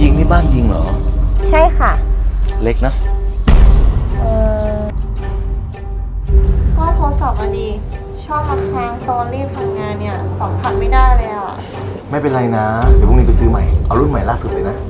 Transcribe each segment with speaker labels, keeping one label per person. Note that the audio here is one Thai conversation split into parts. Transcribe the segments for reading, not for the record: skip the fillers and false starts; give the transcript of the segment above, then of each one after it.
Speaker 1: ยิงนี่บ้านยิงเหรอ
Speaker 2: ใช่ค่ะ
Speaker 1: เล็กนะ
Speaker 2: ก็โทรศัพท์อะดีชอบมาค้างตอนรีบทำงานเนี่ยสัมผัสไม่ได้เลยอะ
Speaker 1: ไม่เป็นไรนะเดี๋ยวพรุ่งนี้ไปซื้อใหม่เอารุ่นใหม่ล่าสุดเลยนะ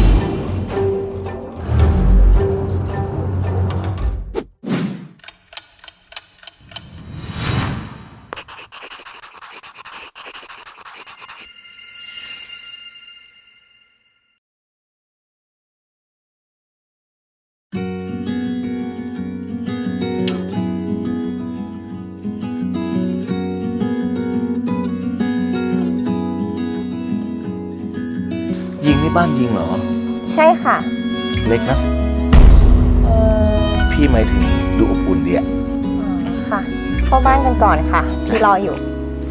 Speaker 1: ยิงนี่บ้านยิงเหรอ
Speaker 2: ใช่ค่ะ
Speaker 1: เล็กนะพี่หมายถึงดูอบอุ่นดีอะ
Speaker 2: ค่ะเข้าบ้านกันก่อนค่ะที่รออยู่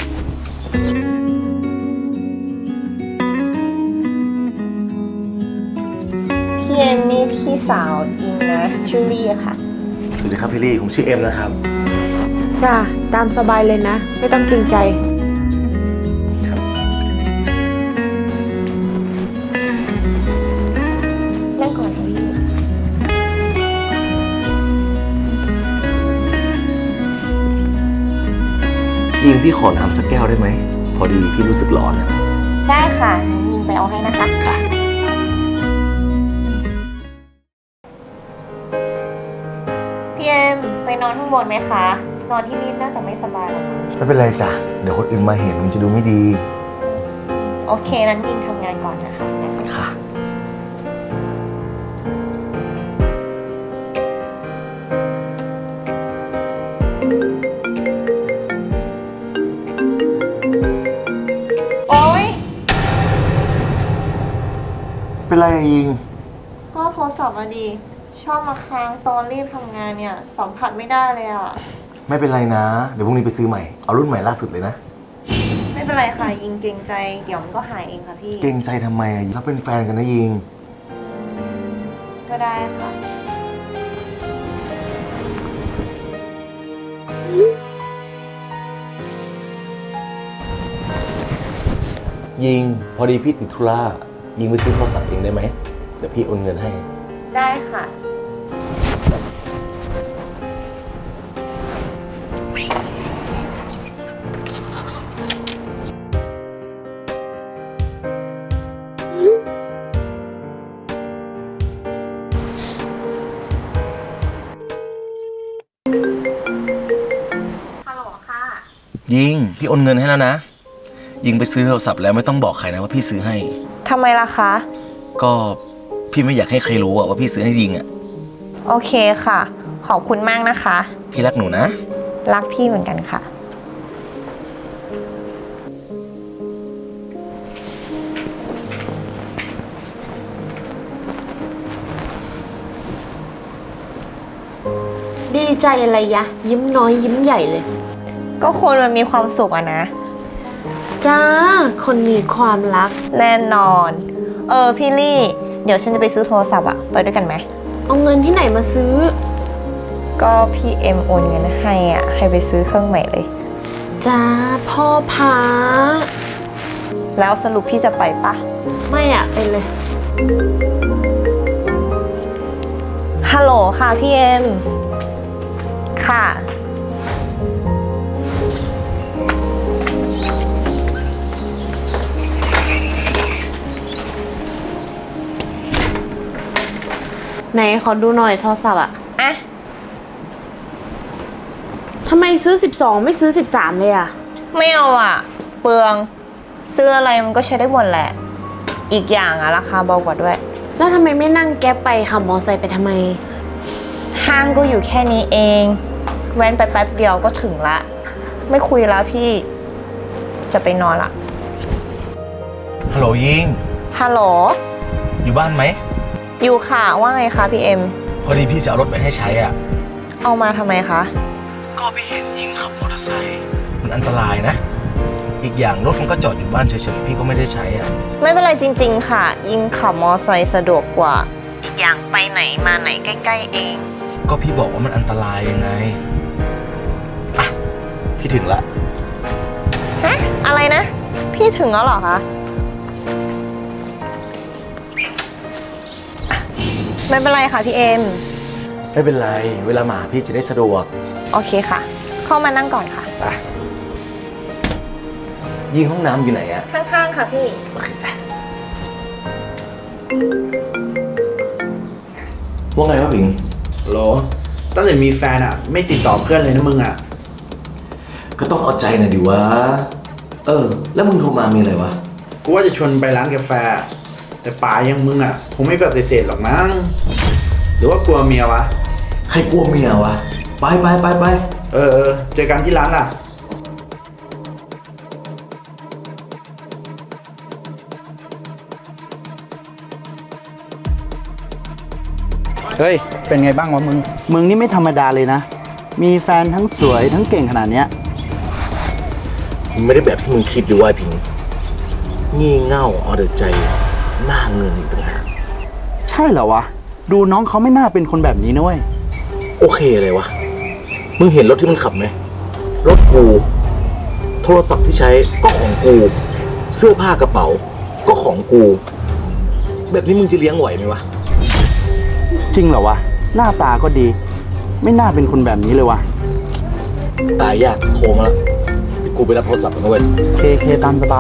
Speaker 2: พี่เอ็มนี่พี่สาวอิงนะชื่อลี่ค่ะ
Speaker 1: สวัสดีครับพี่ลี่ผมชื่อเอ็มนะครับ
Speaker 3: จ้าตามสบายเลยนะไม่ต้องเกรงใจ
Speaker 2: นั่งก่อนค่ะพี่
Speaker 1: ยิงพี่ขอน้ำสักแก้วได้ไหมพอดีพี่รู้สึกร้อนอะ
Speaker 2: ได้ค่ะยิงไปเอาให้นะคะ
Speaker 1: ค่ะ
Speaker 2: พี่เอ็มไปนอนข้างบนไหมคะนอนที่นี่น่าจะไม่สบายหรอก
Speaker 1: ไม่เป็นไรจ้ะเดี๋ยวคนอื่นมาเห็นมันจะดูไม่ดี
Speaker 2: โอเคนั้นยิงทำงานก่อนนะคะ
Speaker 1: ค่ะ
Speaker 2: โอ๊ย
Speaker 1: เป็นไรยิง
Speaker 2: ก็โทรศัพท์อะดีชอบมาค้างตอนรีบทำงานเนี่ยสัมผัสไม่ได้เลยอะ
Speaker 1: ไม่เป็นไรนะเดี๋ยวพรุ่งนี้ไปซื้อใหม่เอารุ่นใหม่ล่าสุดเลยนะ
Speaker 2: ไม่เป็นไรค่ะยิงเกรงใจเดี๋ยวมันก็หายเองค่ะพี่
Speaker 1: เกรงใจทำไมอะเราเป็นแฟนกันนะยิง
Speaker 2: ก็ได้ค่ะ
Speaker 1: ยิงพอดีพี่ติดธุระยิงไปซื้อโทรศัพท์เองได้ไหมเดี๋ยวพี่โอนเงินให้
Speaker 2: ได้ค่ะฮัลโหลค่ะ
Speaker 1: ยิงพี่โอนเงินให้แล้วนะยิงไปซื้อโทรศัพท์แล้วไม่ต้องบอกใครนะว่าพี่ซื้อให้
Speaker 2: ทำไมล่ะคะ
Speaker 1: ก็พี่ไม่อยากให้ใครรู้ว่าพี่ซื้อให้ยิงอะ
Speaker 2: โอเคค่ะขอบคุณมากนะคะ
Speaker 1: พี่รักหนูนะ
Speaker 2: รักพี่เหมือนกันค่ะ
Speaker 3: ดีใจอะไรยะยิ้มน้อยยิ้มใหญ่เลย
Speaker 2: ก็คนมันมีความสุขอะนะ
Speaker 3: จ้าคนมีความรัก
Speaker 2: แน่นอนพี่ลี่เดี๋ยวฉันจะไปซื้อโทรศัพท์อะไปด้วยกันไหม
Speaker 3: เอาเงินที่ไหนมาซื้อ
Speaker 2: ก็พี่เอ็มโอนเงินให้อ่ะให้ไปซื้อเครื่องใหม่เลย
Speaker 3: จ้าพ่อพา
Speaker 2: แล้วสรุปพี่จะไปปะ
Speaker 3: ไม่อะไปเลย
Speaker 2: ฮัลโหลค่ะพี่เอ็มค่ะ
Speaker 3: ไหนขอดูหน่อยโทรศัพท์อะทำไมซื้อ12ไม่ซื้อ13เลยอะ
Speaker 2: ไม่เอาอะเปลืองซื้ออะไรมันก็ใช้ได้หมดแหละอีกอย่างอะราคาเบากว่าด้วย
Speaker 3: แล้วทำไมไม่นั่งแก๊ปไปขับมอเตอร์ไซค์ไปทำไม
Speaker 2: ห้างก็อยู่แค่นี้เองแว้นไปแป๊บเดียวก็ถึงละไม่คุยแล้วพี่จะไปนอนละ
Speaker 1: ฮัลโหลยิง
Speaker 2: ฮัลโหล
Speaker 1: อยู่บ้านไหม
Speaker 2: อยู่ค่ะว่าไงคะพี่เอ็ม
Speaker 1: พอดีพี่จะเอารถไปให้ใช้อ่ะ
Speaker 2: เอามาทำไมคะ
Speaker 1: ก็พี่เห็นยิงขับมอเตอร์ไซค์มันอันตรายนะอีกอย่างรถมันก็จอดอยู่บ้านเฉยๆพี่ก็ไม่ได้ใช้อ่ะ
Speaker 2: ไม่เป็นไรจริงๆค่ะยิงขับมอเตอร์ไซค์สะดวกกว่าอีกอย่างไปไหนมาไหนใกล้ๆเอง
Speaker 1: ก็พี่บอกว่ามันอันตรายยังไงอ่ะพี่ถึงละ
Speaker 2: ฮะอะไรนะพี่ถึงแล้วเหรอคะไม่เป็นไรค่ะพี่เอ็ม
Speaker 1: ไม่เป็นไร เวลามาหาพี่จะได้สะดวก
Speaker 2: โอเคค่ะ เข้ามานั่งก่อนค่ะ
Speaker 1: ไปยิงห้องน้ำอยู่ไหนอะ
Speaker 2: ข้างๆค่ะพี่
Speaker 1: โอเคจ้ะว่าไงวะผิง
Speaker 4: โหลตั้งแต่มีแฟนอ่ะ ไม่ติดต่อเพื่อนเลยนะมึงอ่ะ
Speaker 1: ก็ต้องเอาใจหน่อยดิวะ แล้วมึงโทรมามีอะไรวะ
Speaker 4: กูว่าจะชวนไปร้านกาแฟ แต่ป๋ายังมึงอ่ะคงไม่ปฏิเสธหรอกมั้งหรือว่ากลัวเมียวะ
Speaker 1: ใครกลัวเมียวะ ไปไปไปไป
Speaker 4: เจอกันที่ร้านล่ะ
Speaker 5: เฮ้ย เป็นไงบ้างวะมึง มึงนี่ไม่ธรรมดาเลยนะ มีแฟนทั้งสวยทั้งเก่งขนาดเนี้ย
Speaker 1: มันไม่ได้แบบที่มึงคิดดิวะผิง งี่เง่าเอาแต่ใจ หน้าเงินอีกต่างหาก
Speaker 5: ใช่เหรอวะ ดูน้องเขาไม่น่าเป็นคนแบบนี้นะเว้ย
Speaker 1: โอเคเลยวะ มึงเห็นรถที่มันขับไหม รถกู โทรศัพท์ที่ใช้ก็ของกู เสื้อผ้ากระเป๋า ก็ของกู แบบนี้มึงจะเลี้ยงไหวไหมวะ
Speaker 5: จริงเหรอวะ หน้าตาก็ดี ไม่น่าเป็นคนแบบนี้เลยวะ
Speaker 1: ตายยากโทรมาแล้วเดี๋ยวกูไปรับโทรศัพท์มันเว้ย
Speaker 5: เคตามสบาย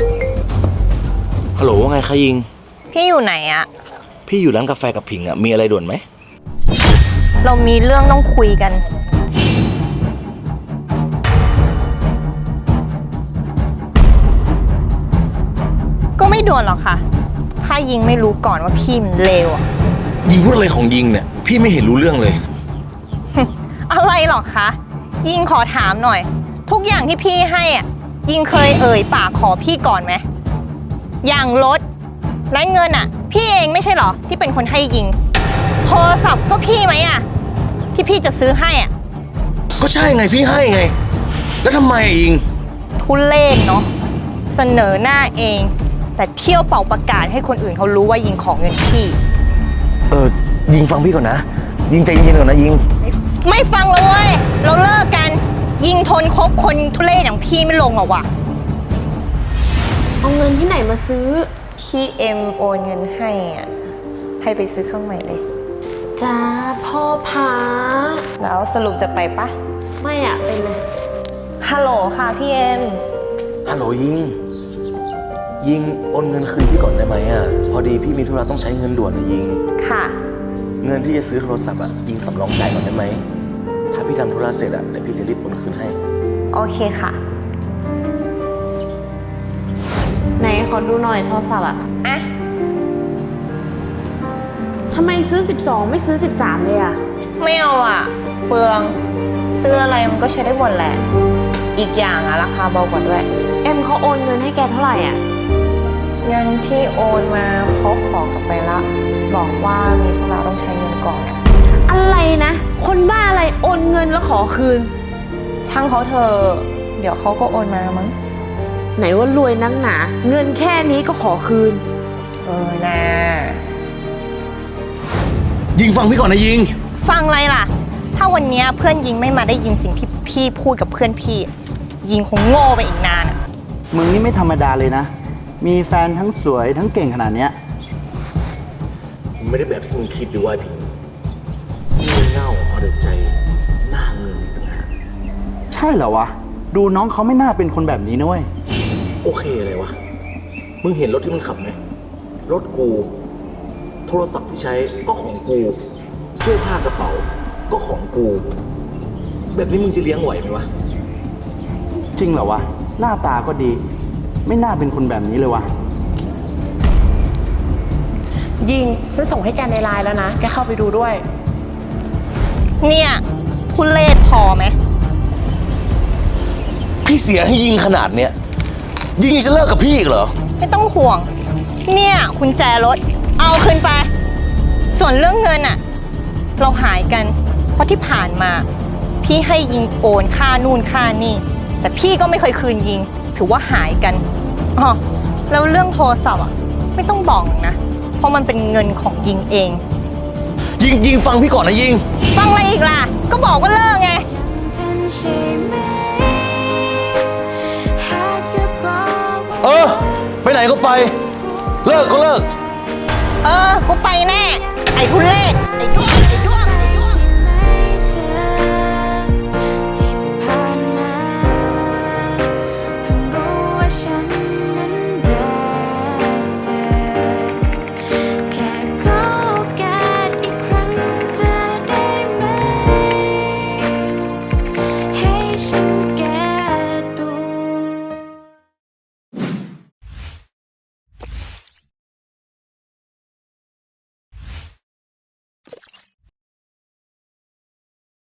Speaker 1: ฮัลโหลว่าไงคะยิง
Speaker 2: พี่อยู่ไหนอะ
Speaker 1: พี่อยู่ร้านกาแฟกับผิงอ่ะ มีอะไรด่วนไหม
Speaker 2: เรามีเรื่องต้องคุยกัน ก็ไม่ด่วนหรอกค่ะ ถ้ายิงไม่รู้ก่อนว่าพี่มันเลวอะ
Speaker 1: ยิงพูดอะไรของยิงเนี่ย พี่ไม่เห็นรู้เรื่องเลย
Speaker 2: อะไรหรอกคะ ยิงขอถามหน่อย ทุกอย่างที่พี่ให้อะยิงเคยเอ่ยปากขอพี่ก่อนไหม อย่างรถและเงินอะพี่เองไม่ใช่หรอที่เป็นคนให้ยิง โทรศัพท์ก็พี่ไหมอะที่พี่จะซื้อให้อะ
Speaker 1: ก็ใช่ไงพี่ให้ไง แล้วทำไมอะยิง
Speaker 2: ทุเรศเนาะเสนอหน้าเอง แต่เที่ยวเป่าประกาศให้คนอื่นเขารู้ว่ายิงของเงินพี่
Speaker 1: ยิงฟังพี่ก่อนนะ ยิงใจเย็นๆก่อนนะยิง
Speaker 2: ไม่ฟังเลยเว้ยเราเลิกกัน ยิงทนคบคนทุเรศอย่างพี่ไม่ลงหรอกว่ะ
Speaker 3: เอาเงินที่ไหนมาซื้อ
Speaker 2: พี่เอ็มโอนเงินให้อ่ะให้ไปซื้อเครื่องใหม่เลย
Speaker 3: จ้าพ่อพา
Speaker 2: แล้วสรุปจะไปปะ
Speaker 3: ไม่อะไปเลย
Speaker 2: ฮัลโหลค่ะพี่เอ็ม
Speaker 1: ฮัลโหลยิง ยิงโอนเงินคืนพี่ก่อนได้ไหมอ่ะ พอดีพี่มีธุระต้องใช้เงินด่วนนะยิง
Speaker 2: ค่ะ
Speaker 1: เงินที่จะซื้อโทรศัพท์อ่ะยิงสำรองจ่ายก่อนได้ไหม ถ้าพี่ทำธุระเสร็จอ่ะเดี๋ยวพี่จะรีบโอนคืนให้
Speaker 2: โอเคค่ะ
Speaker 3: ไหนขอดูหน่อยโทรศัพท์อะ
Speaker 2: อ่ะ
Speaker 3: ทำไมซื้อ 12 ไม่ซื้อ 13 เลยอะ
Speaker 2: ไม่เอาอ่ะ เปลืองซื้ออะไรมันก็ใช้ได้หมดแหละ อีกอย่างอ่ะราคาเบากว่าด้วย
Speaker 3: เอ็มเขาโอนเงินให้แกเท่าไหร่อะ
Speaker 2: เงินที่โอนมาเขาขอกลับไปละ บอกว่ามีธุระต้องใช้เงินก่อนอะ
Speaker 3: อะไรนะ คนบ้าอะไรโอนเงินแล้วขอคืน
Speaker 2: ช่างเขาเถอะเดี๋ยวเขาก็โอนมามั้ง
Speaker 3: ไหนว่ารวยนักหนา เงินแค่นี้ก็ขอคืน
Speaker 2: นะ
Speaker 1: ยิงฟังพี่ก่อนนะยิง
Speaker 2: ฟังอะไรล่ะ ถ้าวันเนี้ยเพื่อนยิงไม่มาได้ยินสิ่งที่พี่พูดกับเพื่อนพี่ ยิงคงโง่ไปอีกนานอะ
Speaker 5: มึงนี่ไม่ธรรมดาเลยนะ มีแฟนทั้งสวยทั้งเก่งขนาดเนี้ย
Speaker 1: มันไม่ได้แบบที่มึงคิดดิว่าผิง งี่เง่าเอาแต่ใจ หน้าเงินอีกต่างหาก
Speaker 5: ใช่เหรอวะ ดูน้องเขาไม่น่าเป็นคนแบบนี้นะเว้ย
Speaker 1: โอเคเลยวะ มึงเห็นรถที่มันขับไหม รถกู โทรศัพท์ที่ใช้ก็ของกู เสื้อผ้ากระเป๋า ก็ของกู แบบนี้มึงจะเลี้ยงไหวไหมวะ
Speaker 5: จริงเหรอวะ หน้าตาก็ดี ไม่น่าเป็นคนแบบนี้เลยวะ
Speaker 3: ยิง ฉันส่งให้แกในไลน์แล้วนะ แกเข้าไปดูด้วย
Speaker 2: เนี่ยทุเลศพอไหม
Speaker 1: พี่เสียให้ยิงขนาดเนี้ย ยิงยังจะเลิกกับพี่อีกเหรอ
Speaker 2: ไม่ต้องห่วง เนี่ยคุณแจรถ เอาคืนไป ส่วนเรื่องเงินอะเราหายกัน เพราะที่ผ่านมา พี่ให้ยิงโอนค่านู่นค่านี่ แต่พี่ก็ไม่เคยคืนยิง ถือว่าหายกันอ๋อแล้วเรื่องโทรศัพท์อะไม่ต้องบอกนะ เพราะมันเป็นเงินของยิงเอง
Speaker 1: ยิงฟังพี่ก่อนนะยิง
Speaker 2: ฟังอะไรอีกล่ะ ก็บอกว่าเลิกไง
Speaker 1: ไปไหนก็ไป เลิกก็เลิก
Speaker 2: กูไปแน่ ไออ้ทุเรศไอ้ด้ว